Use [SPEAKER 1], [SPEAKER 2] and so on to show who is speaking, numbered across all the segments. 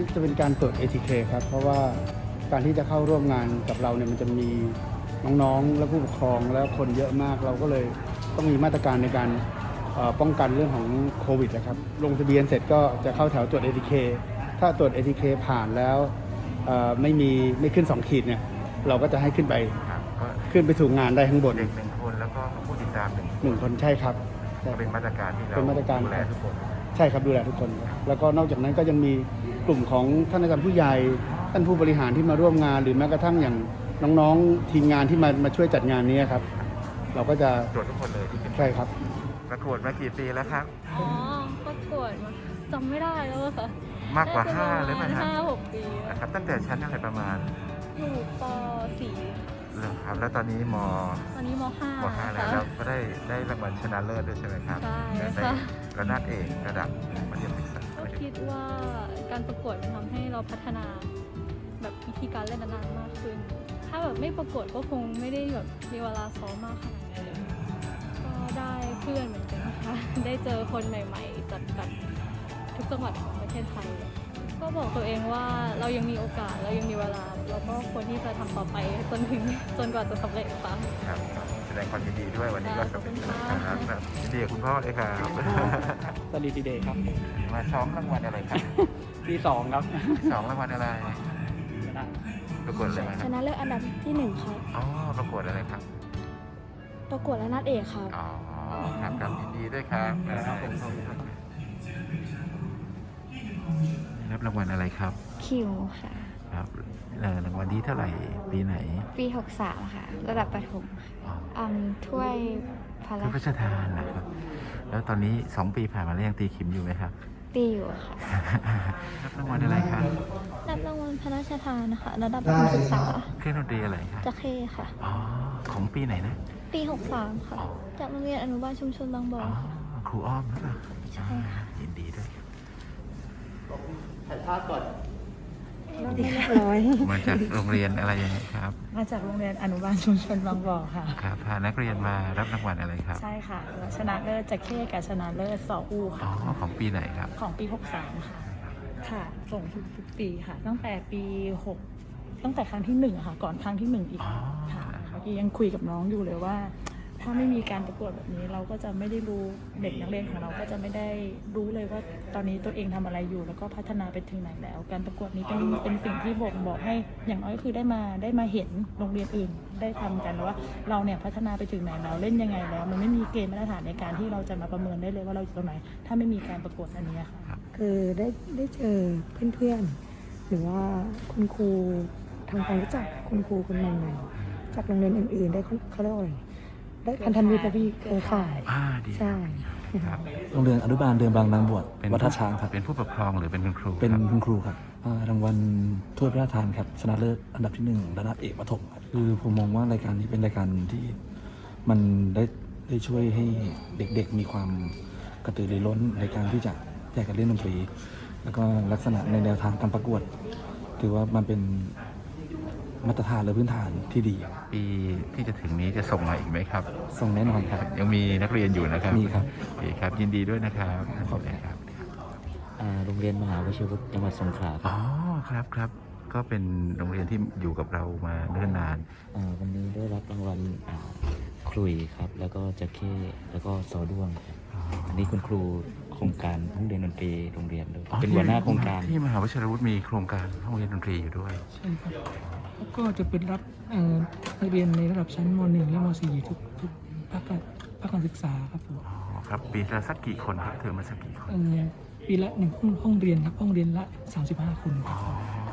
[SPEAKER 1] จะเป็นการตรวจ ATK ครับเพราะว่าการที่จะเข้าร่วมงานกับเราเนี่ยมันจะมีน้องๆและผู้ปกครองแล้วคนเยอะมากเราก็เลยต้องมีมาตรการในการป้องกันเรื่องของโควิดนะครับลงทะเบียนเสร็จก็จะเข้าแถวตรวจ ATK ถ้าตรวจ ATK ผ่านแล้วไม่ขึ้น2ขีดเนี่ยเราก็จะให้ขึ้นไป
[SPEAKER 2] ครับก็
[SPEAKER 1] ขึ้นไปสู่งานได้ข้างบน
[SPEAKER 2] เด็ก1 คนแล้วก็ผู้ติดตาม1
[SPEAKER 1] 1 คนใช่ครับใช่
[SPEAKER 2] เป็นมาตรการที่เรา
[SPEAKER 1] เป็นมาตรการ
[SPEAKER 2] ดูแลทุกคน
[SPEAKER 1] ใช่ครับดูแลทุกคนครับแล้วก็นอกจากนั้นก็ยังมีกลุ่มของท่านอาจารย์ผู้ใหญ่ท่านผู้บริหารที่มาร่วมงาน หรือแม้กระทั่งอย่างน้องๆทีมงานที่มาช่วยจัดงานนี้ครับเราก็จะ
[SPEAKER 2] ตรวจทุกคนเลยที่เป็น
[SPEAKER 1] ใช่ครับ
[SPEAKER 2] ประกวดมากี่ปีแล้วครับ
[SPEAKER 3] อ๋อประกวดมาจำไม่ได้แล้วอะค่ะ
[SPEAKER 2] มากกว่า
[SPEAKER 3] น่จะ
[SPEAKER 2] 5หรือเปล่าครับ
[SPEAKER 3] 5-6 ปีอะ
[SPEAKER 2] นะครับตั้งแต่ชั้นอะไรประมาณ
[SPEAKER 3] อยู่ป .4
[SPEAKER 2] เหรอครับแล้วตอนนี้ม
[SPEAKER 3] ตอนนี้ม .5
[SPEAKER 2] 5แล้ว
[SPEAKER 3] ค่ะ
[SPEAKER 2] แล้วก็ได้รางวัลชนะเลิศด้วยใช่ไหมครับ
[SPEAKER 3] ใช่
[SPEAKER 2] ได้
[SPEAKER 3] ค่ะ
[SPEAKER 2] ระดับเอกระดับมัธยมศึกษา
[SPEAKER 3] ก็คิดว่าการประกวดมันทำให้เราพัฒนาแบบวิธีการเล่นนานๆมากขึ้น ถ้าแบบไม่ประกวดก็คงไม่ได้แบบมีเวลาซ้อมมากขนาดนี้เลยก็ได้เพื่อนเหมือนกันนะคะ ได้เจอคนใหม่ๆจากแบบทุกจังหวัดของประเทศไทย ก็บอกตัวเองว่าเรายังมีโอกาสเรายังมีเวลาเราก็ควรที่จะทำต่อไปจนกว่าจะสำเร็จค่ะ
[SPEAKER 2] ครับแสดงความยินดีด้วยวันนี้ก็สำเร็จนะครับยินดีกับคุณพ่อเลยครับ
[SPEAKER 1] สลีดีเดย์ครับ
[SPEAKER 2] มาซ้อมรางวัลอะไรครับ
[SPEAKER 1] ที่2ครับ
[SPEAKER 2] 2รางวัลอะไรประกวดอะไรมาค
[SPEAKER 4] ช
[SPEAKER 2] รับ
[SPEAKER 4] นะเลิศอันดับที่1ครับ
[SPEAKER 2] อ๋อประกวดอะไรครับ
[SPEAKER 4] ประกวดและนัดเอกครับ
[SPEAKER 2] อ๋อครับครับยินดีด้วยครับรับรางวัลอะไรครับ
[SPEAKER 4] คิวค่ะ
[SPEAKER 2] ครับรางวัลที่เท่าไหร่ปีไหน
[SPEAKER 4] ปี 63 ค่ะ ระดับประถม
[SPEAKER 2] อ๋อ
[SPEAKER 4] ถ้วยพระ
[SPEAKER 2] พระ
[SPEAKER 4] รา
[SPEAKER 2] รา
[SPEAKER 4] ช
[SPEAKER 2] ชทานนะครับ แล้วตอนนี้2 ปีผ่านมาแล้วยังตีขิมอยู่ไหมครับ
[SPEAKER 4] ตีอยู่ค่ะ
[SPEAKER 2] รับรางวัลอะไรครับ
[SPEAKER 4] รับรางวัลพระราชทานนะคะระดับประถมศึกษา
[SPEAKER 2] เครื่องดนตรีอะไรครับ
[SPEAKER 4] จะเข้ค่ะ
[SPEAKER 2] อ๋อของปีไหนนะ
[SPEAKER 4] ปี 63 ค่ะ จากโรงเรียนอนุบาลชุมชนบางบ่อ
[SPEAKER 2] อ๋อ
[SPEAKER 4] ค่ะ
[SPEAKER 2] ครูอ้อมหรือเปล่า
[SPEAKER 4] ใช่ค่ะ
[SPEAKER 2] ยินดีด้วยครับ
[SPEAKER 1] ถ่ายภาพก่อน
[SPEAKER 4] เรียบร้อย
[SPEAKER 2] มาจากโรงเรียนอะไรยังไงครับ
[SPEAKER 5] มาจากโรงเรียนอนุบาลชุมชนบางบ่อค่ะ
[SPEAKER 2] ครับพานักเรียนมารับรางวัลอะไรครับ
[SPEAKER 5] ใช่ค่ะ ชนะเลิศจากเข้กับชนะเลิศสออู
[SPEAKER 2] อ๋อ
[SPEAKER 5] ค่ะ
[SPEAKER 2] ของปีไหนครับ
[SPEAKER 5] ของปี 63 ค่ะ ค่ะ ส่งทุกปีค่ะ ตั้งแต่ปี 6 ตั้งแต่ครั้งที่1ค่ะ ก่อนครั้งที่ 1 อีก
[SPEAKER 2] อ๋อ
[SPEAKER 5] ค่ะ เมื่อกี้ยังคุยกับน้องอยู่เลยว่า ถ้าไม่มีการประกวดแบบนี้เราก็จะไม่ได้รู้เด็กนักเรียนของเราก็จะไม่ได้รู้เลยว่าตอนนี้ตัวเองทำอะไรอยู่ แล้วก็พัฒนาไปถึงไหนแล้ว การประกวดนี้เป็นสิ่งที่บอกให้อย่างน้อยคือได้มาเห็นโรงเรียนอื่น ได้ทำกันว่าเราเนี่ยพัฒนาไปถึงไหนแล้วเล่นยังไงแล้ว มันไม่มีเกณฑ์มาตรฐานในการที่เราจะมาประเมินได้เลยว่าเราอยู่ตรงไหน ถ้าไม่มีการประกวดอันนี้ค่ะ
[SPEAKER 6] คือได้เจอเพื่อนๆ หรือว่าคุณครูทำความรู้จักคุณครูคนใหม่ๆ จากโรงเรียนอื่นๆ ได้เขาเรียกว่าอะไรได้พันธมิตรกับพี่เครือข่าย
[SPEAKER 2] ดี
[SPEAKER 6] ใช่
[SPEAKER 2] ครับ
[SPEAKER 7] โรงเรียนอนุบาลเดิมบางนางบวช
[SPEAKER 2] เป็น
[SPEAKER 7] วัดท่าช้างครับ
[SPEAKER 2] เป็นผู้ปกครองหรือเป็นคุณครู
[SPEAKER 7] เป็น
[SPEAKER 2] ครับ
[SPEAKER 7] คุณครูครับรางวัลถ้วยพระราชทานครับชนะเลิศอันดับที่ 1 ระดับเอกประถมครับคือผมมองว่ารายการนี้เป็นรายการที่มันได้ช่วยให้เด็กๆมีความกระตือรือร้นในการที่จะอยากจะเล่นดนตรี แล้วก็ลักษณะในแนวทางการประกวดถือว่ามันเป็นมาตรฐานหรือพื้นฐานที่ดีครับ
[SPEAKER 2] ปีที่จะถึงนี้จะส่งมาอีกไหมครับ
[SPEAKER 7] ส่งแน่นอนครับ
[SPEAKER 2] ยังมีนักเรียนอยู่นะครับ
[SPEAKER 7] มีครับ
[SPEAKER 2] โอเคครับ ยินดีด้วยนะครับ
[SPEAKER 7] ขอบคุณ
[SPEAKER 2] ครับ
[SPEAKER 8] โรงเรียนมหาวชิรวุฒิจังหวัดสงขลาค
[SPEAKER 2] อ๋
[SPEAKER 8] รับ
[SPEAKER 2] อครับก็เป็นโรงเรียนที่อยู่กับเรามาเนิ่นนาน
[SPEAKER 8] วันนี้ได้รับรางวัลครุยครับ แล้วก็จะเข้แล้วก็ซอด้วงครับอันนี้คุณครูโครงการห้องเรียนดนตรีโรงเรียนด้วยเป็นหัวหน้าโครงการ
[SPEAKER 2] ที่มหาวิทยาลัยวุฒิมีโครงการห้องเรียนดนตรีอยู่ด้วย
[SPEAKER 9] ใช่ครับแล้วก็จะเป็นรับนักเรียนในระดับชั้นม .1 และม .4 ทุกภาคการศึกษาครับผม
[SPEAKER 2] อ๋อครับปีละสักกี่คนครับเทอมละสักกี่คน
[SPEAKER 9] ปีละ1ห้องเรียนครับห้องเรียนละ35 คนค
[SPEAKER 2] อ๋
[SPEAKER 9] รั
[SPEAKER 2] อบ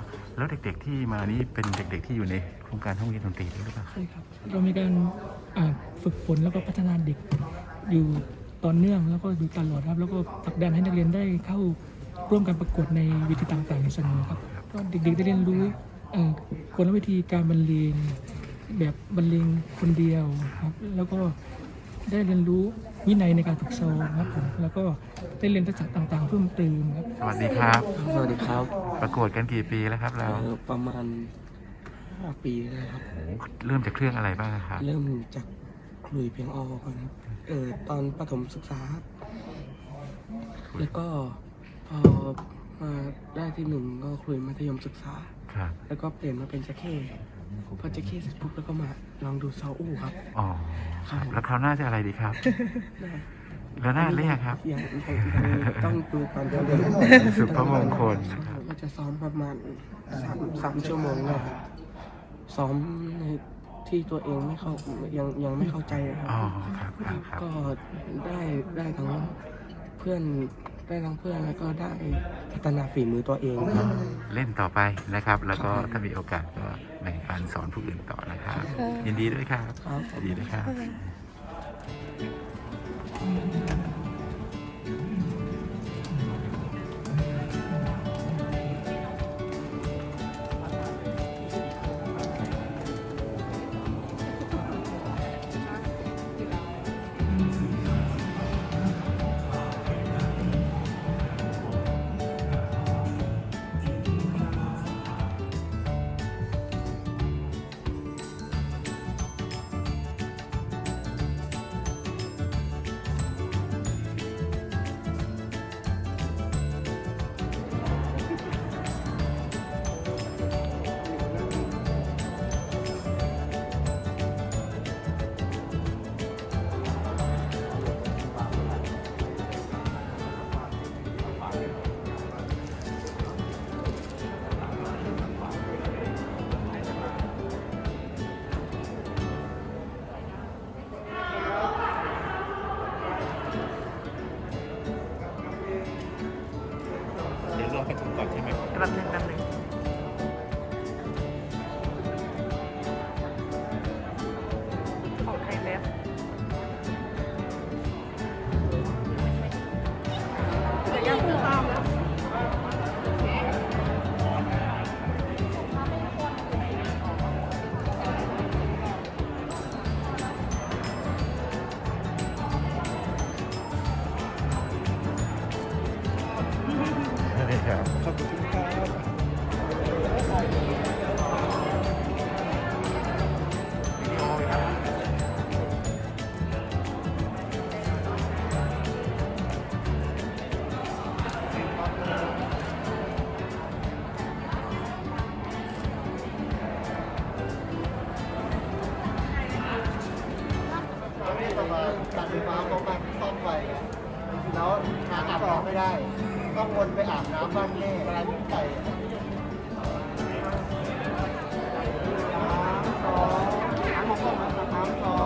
[SPEAKER 2] แล้วเด็กๆที่มานี่เป็นเด็กๆที่อยู่ในโครงการห้องเรียนดนตรีด้วยหรือเปล่า
[SPEAKER 9] ใช่ครับเรามีการฝึกฝนแล้วก็พัฒนาเด็กอยู่ต่อเนื่องแล้วก็อยู่ตลอดครับแล้วก็ผลักดันให้นักเรียนได้เข้าร่วมการประกวดในเวทีต่างๆอยู่เสมอครับก็เด็กๆได้เรียนรู้กลวิธีการบรรเลงแบบบรรเลงคนเดียวครับแล้วก็ได้เรียนรู้วินัยในการฝึกซ้อมครับผมแล้วก็ได้เรียนทักษะต่างๆเพิ่มเติมครับ
[SPEAKER 2] สวัสดีครับ
[SPEAKER 6] สวัสดีครับ
[SPEAKER 2] ประกวดกันกี่ปีแล้วครับเรา
[SPEAKER 6] ประมาณ5 ปีแล้วครับ
[SPEAKER 2] โอ้โหเริ่มจากเครื่องอะไรบ้างครับ
[SPEAKER 6] เริ่มจากคลุยเพียงอก่อนครับตอนประถมศึกษา แล้วก็พอม
[SPEAKER 10] มาได้ที่หนึ่งก็คุยมัธยมศึกษา
[SPEAKER 2] ครับ
[SPEAKER 10] แล้วก็เปลี่ยนมาเป็นจะเข้พอจะเข้เสร็จปุ๊บแล้วก็มาลองดูซาอู้ครับ
[SPEAKER 2] อ๋อครับแล้วคราวหน้าจะอะไรดีครับ แล้วหน้าเรียกครับ
[SPEAKER 10] ยังต้องดูก่อนจะเรียน
[SPEAKER 2] สุภมงคลนะครับ
[SPEAKER 10] ก็จะซ้อมประมาณสามชั่วโมงเลยครับซ้อมในที่ตัวเองไม่เข้ายังไม่เข้าใจนะค
[SPEAKER 2] อ๋อ
[SPEAKER 10] รับ
[SPEAKER 2] ครับ
[SPEAKER 10] ก็ได้ทั้งเพื่อนแล้วก็ได้พัฒนาฝีมือตัวเองครับ
[SPEAKER 2] เล่นต่อไปนะครับ แล้วก็ถ้ามีโอกาสก็แบ่งปันสอนผู้อื่นต่อนะครับ ยินดีด้วยครับ
[SPEAKER 10] ครับ
[SPEAKER 2] ยินดีด้วยครับ เดี๋ยวรอไปถึงก่อนใช่ไหมแป๊บนึงของไทยแล้วครับ
[SPEAKER 10] ขอบคุณครับ
[SPEAKER 1] การไฟฟ้าเขามาซ่อมไฟแล้วหาอาบน้ำไม่ได้ ต้องวนไปอาบน้ำบ้านแม่เวลาที่ไปน้ำของน้ำของ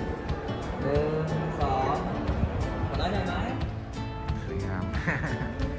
[SPEAKER 2] สวยงาม